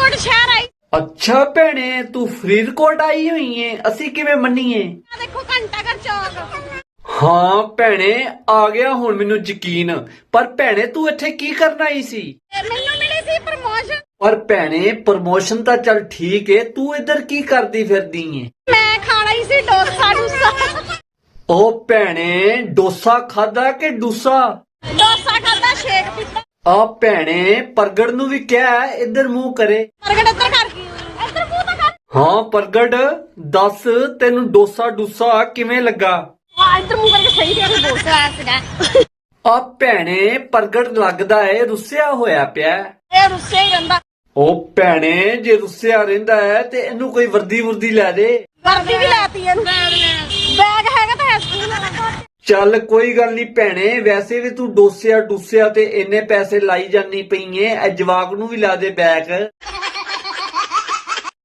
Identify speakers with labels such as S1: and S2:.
S1: ਫਰੀਦਕੋਟ ਸ਼ਹਿਰ ਆਈ।
S2: ਅੱਛਾ ਭੈਣੇ ਤੂੰ ਫਰੀਦਕੋਟ ਆਈ ਹੋਈ ਏ, ਅਸੀਂ ਕਿਵੇਂ ਮੰਨੀਏ?
S1: ਆ ਦੇਖੋ ਘੰਟਾ ਘਰ ਚੌਕ।
S2: ਹਾਂ ਭੈਣੇ ਆ ਗਿਆ ਹੁਣ ਮੈਨੂੰ ਯਕੀਨ। ਪਰ ਭੈਣੇ ਤੂੰ ਇੱਥੇ ਕੀ ਕਰਨ ਆਈ ਸੀ?
S1: ਮੈਨੂੰ ਮਿਲੀ ਸੀ ਪ੍ਰਮੋਸ਼ਨ।
S2: ਪਰ ਭੈਣੇ ਪ੍ਰਮੋਸ਼ਨ ਤਾਂ ਚੱਲ ਠੀਕ ਏ, ਤੂੰ ਇੱਧਰ ਕੀ ਕਰਦੀ ਫਿਰਦੀ ਏ?
S1: ਮੈਂ ਖਾਣਾ ਹੀ ਸੀ ਡੋਸਾ
S2: ਉਹ ਭੈਣੇ ਡੋਸਾ ਖਾਦਾ ਕਿ ਡੂਸਾ?
S1: ਡੋਸਾ ਖਾਦਾ, ਸ਼ੇਕ ਪੀਤਾ।
S2: ਆ ਭੈਣੇ ਪ੍ਰਗਟ ਨੂੰ ਵੀ ਕਿਹਾ ਇੱਧਰ ਮੂੰਹ ਕਰੇ।
S1: ਪ੍ਰਗਟ ਇੱਧਰ ਕਰ, ਇੱਧਰ ਮੂੰਹ ਤਾਂ ਕਰ।
S2: ਹਾਂ ਪ੍ਰਗਟ ਦੱਸ ਤੈਨੂੰ ਡੋਸਾ ਡੂਸਾ ਕਿਵੇਂ ਲੱਗਾ?
S1: ਆ ਇੱਧਰ ਮੂੰਹ ਕਰਕੇ ਸਹੀ ਤੇਰੇ ਡੋਸਾ ਆਇਆ ਸੀਗਾ।
S2: ਆ ਭੈਣੇ ਪ੍ਰਗਟ ਲੱਗਦਾ ਏ ਰੁੱਸਿਆ ਹੋਇਆ ਪਿਆ।
S1: ਇਹ ਰੁੱਸੇ ਹੀ ਰਹਿੰਦਾ।
S2: ਉਹ ਭੈਣੇ ਜੇ ਰੁੱਸਿਆ ਰਹਿੰਦਾ ਹੈ ਤੇ ਇਹਨੂੰ ਕੋਈ ਵਰਦੀ ਲੈ ਦੇ।
S1: ਵਰਦੀ ਵੀ ਲੈਤੀ ਇਹਨੂੰ। ਬੈਗ ਹੈਗਾ ਤਾਂ ਹੈ ਸਕੂਲ ਵਾਲਾ।
S2: ਚੱਲ ਕੋਈ ਗੱਲ ਨਹੀਂ ਭੈਣੇ, ਵੈਸੇ ਵੀ ਤੂੰ ਡੋਸਿਆ ਡੂਸਿਆ ਤੇ ਇੰਨੇ ਪੈਸੇ ਲਾਈ ਜਾਨੀ ਪਈ ਏ, ਇਹ ਜਵਾਕ ਨੂੰ ਵੀ ਲਾ ਦੇ ਬੈਗ।